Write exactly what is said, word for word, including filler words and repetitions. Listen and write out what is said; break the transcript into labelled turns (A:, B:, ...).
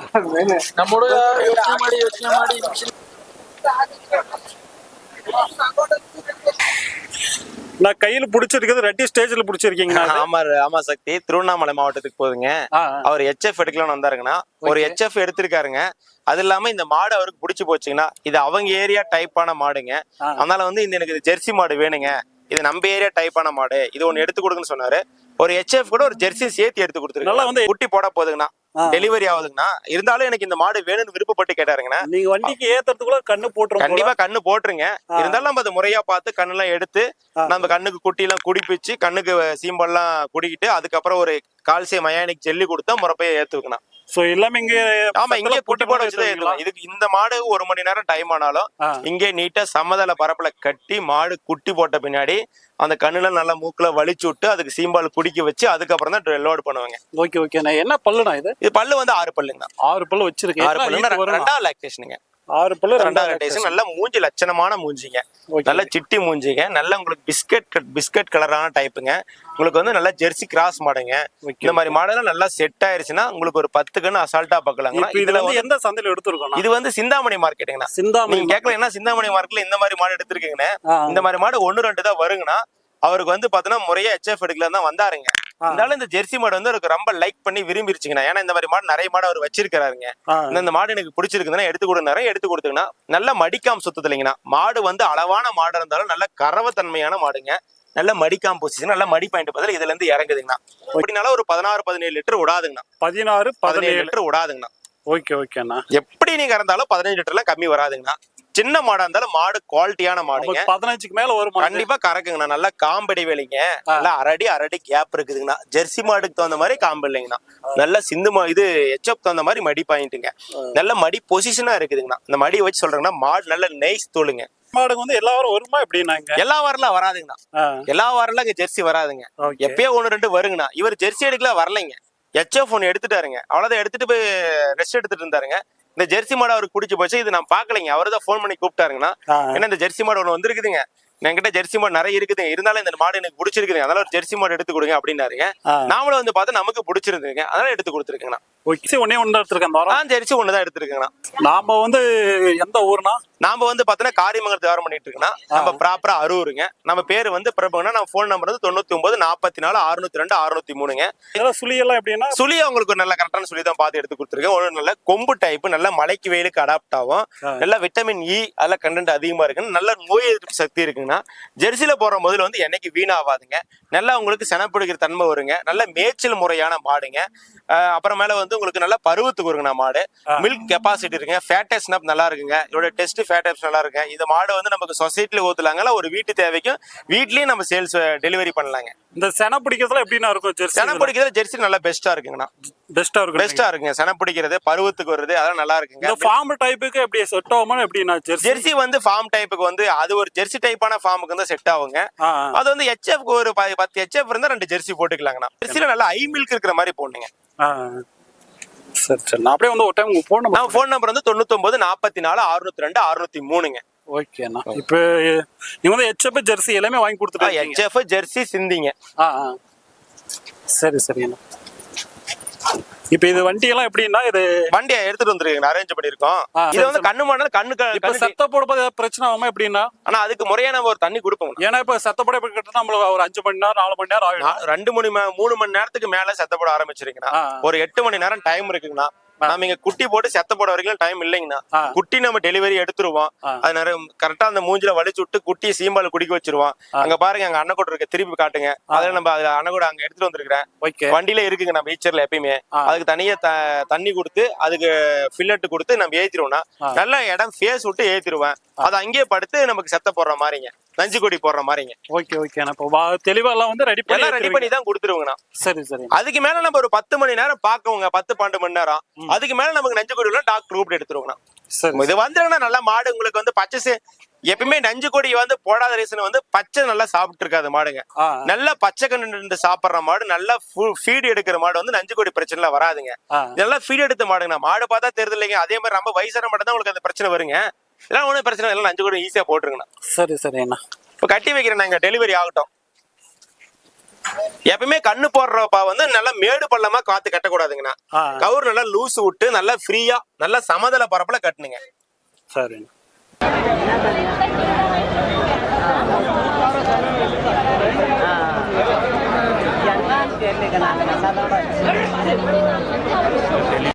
A: ನಮ್ಮ ಹುಡುಗ ಯೋಚನೆ ಮಾಡಿ ಯೋಚನೆ ಮಾಡಿ
B: நான் கையில புடிச்சிருக்கிறது ரெட்டி ஸ்டேஜ்ல புடிச்சிருக்கீங்க.
C: ஆமா ஆமா சக்தி, திருவண்ணாமலை மாவட்டத்துக்கு போகுதுங்க. அவர் எச்எஃப் எடுக்கலாம்னு வந்தாருங்கன்னா ஒரு எச்எஃப் எடுத்திருக்காருங்க. அது இல்லாம இந்த மாடு அவருக்கு பிடிச்சி போச்சுங்கன்னா இது அவங்க ஏரியா டைப்பான மாடுங்க. அதனால வந்து இந்த எனக்கு ஜெர்சி மாடு வேணுங்க, இது நம்ம ஏரியா டைப்பான மாடு, இது ஒண்ணு எடுத்து கொடுக்குன்னு சொன்னாரு. ஒரு எச்எஃப் கூட ஒரு ஜெர்சி சேர்த்து எடுத்து கொடுத்துருக்கு. நல்லா வந்து குட்டி போட போகுதுங்கண்ணா, டெலிவரி ஆகுதுங்கண்ணா. இருந்தாலும் எனக்கு இந்த மாடு வேணும்னு விருப்பப்பட்டு கேட்டாருங்கண்ணா.
B: நீங்க வண்டிக்கு ஏத்துறதுக்குள்ள கண்ணு போட்டுருங்க.
C: கண்டிப்பா கண்ணு போட்டுருங்க. இருந்தாலும் நம்ம அதை முறையா பார்த்து கண்ணு எல்லாம் எடுத்து நம்ம கண்ணுக்கு குட்டி எல்லாம் குடிப்பிச்சு கண்ணுக்கு சீம்பெல்லாம் குடிக்கிட்டு அதுக்கப்புறம் ஒரு கால்சியம் மயானிக் ஜெல்லி கொடுத்தா முறைப்பைய ஏத்துக்கணும்.
B: சோ எல்லாமே இங்க
C: ஆமா இங்கே குட்டி போட வச்சுதான் ஏத்துக்கலாம். இதுக்கு இந்த மாடு ஒரு மணி நேரம் டைம் ஆனாலும் இங்கே நீட்டா சமதள பரப்புல கட்டி மாடு குட்டி போட்ட பின்னாடி அந்த கண்ணுல நல்லா மூக்குல வலிச்சு விட்டு அதுக்கு சீம்பால் குடிக்க வச்சு அதுக்கப்புறம் தான் லோட் பண்ணுவாங்க.
B: Okay okay. என்ன பல்லுனா இது?
C: இது பல்லு வந்து ஆறு பல்லுங்க.
B: ஆறு பல்லு வச்சிருக்கேன்.
C: ஆறு பல்லு ரெண்டாவது லாக்டேஷனுங்க.
B: ஆறு பல்லு
C: ரெண்டாவது லாக்டேஷன். நல்ல மூஞ்சி லட்சணமான மூஞ்சிங்க, நல்ல சிட்டி மூஞ்சிங்க, நல்ல உங்களுக்கு பிஸ்கட் பிஸ்கட் கலரான டைப்புங்க. உங்களுக்கு வந்து நல்ல ஜெர்சி கிராஸ் மாடுங்க. இந்த மாதிரி மாடெல்லாம் நல்லா செட் ஆயிருச்சுன்னா உங்களுக்கு ஒரு பத்து கண்ணு அசால்ட்டா பாக்கலாங்க.
B: இதுல வந்து எந்த சந்தையில எடுத்துருக்கோம்?
C: இது வந்து சிந்தாமணி மார்க்கெட்டுங்கண்ணா.
B: சிந்தாமணி
C: நீங்க கேட்கல என்ன சிந்தாமணி மார்க்கெட்ல இந்த மாதிரி மாடு எடுத்திருக்கீங்கன்னு. இந்த மாதிரி மாடு ஒன்னு ரெண்டு தான் வருங்கண்ணா. அவருக்கு வந்து பாத்தீங்கன்னா முறையா எச்எஃப் எடுக்கல தான் வந்தாருங்க. இருந்தாலும் இந்த ஜெர்சி மாடு வந்து அவருக்கு ரொம்ப லைக் பண்ணி விரும்பிருச்சுங்கண்ணா. ஏன்னா இந்த மாதிரி மாடு நிறைய மாடு அவர் வச்சிருக்காருங்க. இந்த மாடு எனக்கு பிடிச்சிருக்குதுன்னா எடுத்து கொடுத்தாரு. எடுத்து கொடுத்துங்கன்னா நல்ல மடிக்காம சுத்தது இல்லைங்கண்ணா. மாடு வந்து அளவான மாடு இருந்தாலும் நல்ல கறவத்தன்மையான மாடுங்க. நல்ல மடிக்காம பொசிஷன், நல்ல மடி பாயிண்ட் பதில் இதுல இருந்து இறங்குதுங்கண்ணா. அப்படினால ஒரு பதினாறு பதினேழு லிட்டர் விடாதுங்கண்ணா.
B: பதினாறு பதினேழு
C: லிட்டர் விடாதுங்கண்ணா.
B: ஓகே ஓகேண்ணா.
C: எப்படி நீங்க இருந்தாலும் பதினஞ்சு லிட்டர் எல்லாம் கம்மி வராதுங்கண்ணா. சின்ன மாடா இருந்தாலும் மாடு குவாலிட்டியான மாடுங்க.
B: பதினஞ்சுக்கு மேல வரும்,
C: கண்டிப்பா கறக்குங்கண்ணா. நல்லா காம்படி வேலைங்க, நல்லா அரடி அரடி கேப் இருக்குதுங்கண்ணா. ஜெர்சி மாடுக்கு தகுந்த மாதிரி காம்பு இல்லைங்கண்ணா. நல்ல சிந்து மா இது எச்எப் தகுந்த மாதிரி மடி பாயிண்ட்டுங்க. நல்ல மடி பொசிஷனா இருக்குதுங்கண்ணா. இந்த மடியை வச்சு சொல்றேங்கன்னா மாடு நல்ல நெய்ஸ் தோளுங்க.
B: மாடுக்கு வந்து எல்லா வாரம் வருமா எப்படின்னாங்க?
C: எல்லா வாரம்லாம் வராதுங்கண்ணா. எல்லா வாரம்லாம் இங்க ஜெர்சி வராதுங்க. எப்பயோ ஒண்ணு ரெண்டு வருங்கண்ணா. இவர் ஜெர்சி எடுக்கல வரலைங்க, எச்எஃப் ஒன்னு எடுத்துட்டாருங்க. அவ்வளவுதான், எடுத்துட்டு போய் ரெஸ்ட் எடுத்துட்டு இருந்தாருங்க. இந்த ஜெர்சி மாடு அவருக்கு பிடிச்சி போச்சு. இது நான் பாக்கலைங்க, அவரு தான் போன் பண்ணி கூப்பிட்டாருங்கண்ணா. ஏன்னா இந்த ஜெர்சி மாடு ஒண்ணு வந்துருக்குதுங்க, என்கிட்ட ஜெர்சி மாடு நிறைய இருக்குது, இருந்தாலும் இந்த மாடு எனக்கு பிடிச்சிருக்குங்க, அதனால ஒரு ஜெர்சி மாடு எடுத்து கொடுங்க அப்படின்னாருங்க. நாமளும் வந்து பார்த்தா நமக்கு பிடிச்சிருந்துங்க, அதனால எடுத்து கொடுத்துருக்கேங்கண்ணா.
B: ஒன்னே ஒண்ணு எடுத்திருக்கேன்.
C: ஜெர்சி ஒண்ணுதான் எடுத்திருக்கேங்கண்ணா.
B: நாம வந்து எந்த ஊர்னா?
C: நாம வந்து பாத்தீங்கன்னா காரியமங்கலத்தை வியாபாரம் பண்ணிட்டு இருக்கோம்னா நம்ம ப்ராப்பரா அரூருங்க. நம்ம பேரு வந்து பிரபுங்கன்னா நம்ம போன் நம்பர் வந்து தொண்ணூத்தி ஒன்பது நாற்பத்தி நாலு அறுநூத்தி ரெண்டு அறுநூத்தி மூணுங்க.
B: சுழி எல்லாம் எப்படின்னா
C: சுழி அவங்களுக்கு ஒரு நல்ல கரெக்டான சுழி தான் பார்த்து எடுத்து கொடுத்துருக்கேன். ஒரு நல்ல கொம்பு டைப், நல்ல மலைக்கு வெயிலுக்கு அடாப்ட் ஆகும், நல்ல விட்டமின் இ அதெல்லாம் கண்டென்ட் அதிகமா இருக்குன்னு, நல்ல நோய் எதிர்ப்பு சக்தி இருக்குங்கன்னா ஜெர்சியில போற முதல்ல வந்து என்னைக்கு வீணாவாதுங்க. நல்லா உங்களுக்கு செனப்பிடிக்கிற தன்மை வருங்க. நல்ல மேய்ச்சல் முறையான மாடுங்க. அப்புறமேல வந்து உங்களுக்கு நல்ல பருவத்துக்கு வருங்கண்ணா மாடு. மில்க் கெப்பாசிட்டி இருக்குங்க, ஃபேட்டஸ் நல்லா இருக்குங்க. இதோட டெஸ்ட் ஃபேட்டஸ் நல்லா இருக்கு. இந்த மாடு வந்து நமக்கு சொசைட்டில ஊத்துலாங்களா, ஒரு வீட்டு தேவைக்கும் வீட்லயும் நம்ம சேல்ஸ் டெலிவரி பண்ணலாங்க.
B: இந்த சென பிடிக்கிறதுல எப்படின்னா இருக்கும்? ஜெர்சி
C: சென பிடிக்கிறது ஜெர்சி நல்லா பெஸ்டா இருக்குங்கண்ணா.
B: பெஸ்டா இருக்கு,
C: பெஸ்டா இருக்குங்க. சென பிடிக்கிறது பருவத்துக்கு வருது, அதெல்லாம் நல்லா இருக்குங்க.
B: இந்த ஃபார்ம் டைப்புக்கு எப்படி செட் ஆகுமா எப்படின்னா?
C: ஜெர்சி வந்து ஃபார்ம் டைப்புக்கு வந்து அது ஒரு ஜெர்சி டைப்பான ஃபார்முக்கு வந்து செட் ஆகுங்க. அது வந்து எச்எஃப் ஒரு பத்து எச்எஃப் இருந்தா ரெண்டு ஜெர்சி போட்டுக்கலாங்கண்ணா. ஜெர்சியில நல்லா ஐ மில்க் இருக்கிற மாதிரி போடணுங்க.
B: சரி சரி. நான் அப்படியே வந்து ஒரு time phone number
C: phone number வந்து தொண்ணூத்தி ஒன்பது நாற்பத்தி நாலு அறுநூத்தி ரெண்டு அறுநூத்தி மூணுங்க.
B: ஓகேண்ணா. இப்போ நீங்க வந்து எச்எஃப் ஜெர்சி எல்லாமே வாங்கி கொடுத்துட்டா?
C: எச்எஃப் ஜெர்சி சிந்திங்க.
B: ஆ சரி சரிண்ணா. இப்ப இது வண்டி எல்லாம் எப்படின்னா இது
C: வண்டியை எடுத்துட்டு வந்துருக்கீங்க, அரேஞ்ச் பண்ணிருக்கோம். இது வந்து கண்ணு மாடல கண்ணு
B: சத்த போடும்போது பிரச்சனை ஆகுமா எப்படின்னா?
C: ஆனா அதுக்கு முறையா நம்ம ஒரு தண்ணி கொடுப்போம்.
B: ஏன்னா இப்ப சத்தப்பட கிட்ட நம்மளுக்கு ஒரு அஞ்சு மணி நேரம் நாலு மணி நேரம் ஆகும்.
C: ரெண்டு மணி மூணு மணி நேரத்துக்கு மேல சத்தப்பட ஆரம்பிச்சிருக்கீங்கன்னா ஒரு எட்டு மணி நேரம் டைம் இருக்குங்கண்ணா. நாம இங்க குட்டி போட்டு செத்த போட வரைக்கும் டைம் இல்லைங்கண்ணா. குட்டி நம்ம டெலிவரி எடுத்துருவோம். அது நிறைய கரெக்டா அந்த மூஞ்சில வலிச்சு விட்டு குட்டியை சீம்பால் குடிக்க வச்சிருவோம். அங்க பாருங்க அங்க அன்னக்கூட இருக்கு, திருப்பி காட்டுங்க. அதுல நம்ம அதுல அன்னக்கூட அங்க எடுத்துட்டு வந்துருக்கேன். வண்டியில இருக்குங்க நம்ம ஈச்சர்ல எப்பயுமே. அதுக்கு தனியா தண்ணி கொடுத்து அதுக்கு ஃபில்லட் கொடுத்து நம்ம ஏத்திருவோம்னா நல்ல இடம் ஃபேஸ் விட்டு ஏத்திருவேன். அது அங்கேயே படுத்து நமக்கு செத்த போடுற மாதிரிங்க, நஞ்சு கொடி போடுற மாதிரிங்க.
B: Okay okay. தெளிவா எல்லாம் வந்து ரெடி பண்ணி
C: ரெடி பண்ணி தான் கொடுத்துருவோங்கண்ணா.
B: சரி சரி.
C: அதுக்கு மேல நம்ம ஒரு பத்து மணி நேரம் பாக்குவோங்க, பத்து பன்னெண்டு மணி நேரம். அதுக்கு மேல நமக்கு நஞ்சு கொடி டாக்டர் கூப்பிட்டு எடுத்துருவோங்கண்ணா. இது வந்துருன்னா நல்ல மாடு உங்களுக்கு வந்து பச்சை எப்பயுமே நஞ்சு கொடி வந்து போடாத ரீசன் வந்து பச்சை நல்லா சாப்பிட்டு இருக்காது மாடுங்க. நல்லா பச்சை கண்டு சாப்பிடுற மாடு, நல்லா ஃபீடு எடுக்கிற மாடு வந்து நஞ்சு கொடி பிரச்சனை வராதுங்க. இதெல்லாம் ஃபீடு எடுத்த மாடுங்கண்ணா. மாடு பார்த்தா தெரியுது இல்லைங்க. அதே மாதிரி ரொம்ப வயசான மாடு தான் உங்களுக்கு அந்த பிரச்சனை வருங்க. எல்லாம் ஒன்றும் பிரச்சனை இல்லை, நஞ்சு கொடி ஈஸியா போட்டுருங்கண்ணா.
B: சரி சரி அண்ணா.
C: இப்போ கட்டி வைக்கிறேன் நாங்க, டெலிவரி ஆகட்டும். எப்பவுமே கண்ணு போடுறப்பா வந்து நல்லா மேடு பள்ளமா காத்து கட்டக்கூடாதுங்கண்ணா.
B: ஆ.
C: கவுர் நல்லா லூஸ் விட்டு நல்லா ஃப்ரீயா நல்லா சமதள பரப்புல கட்டுனுங்க.
B: சரிண்ணா.
D: என்னன்னு தெரியல.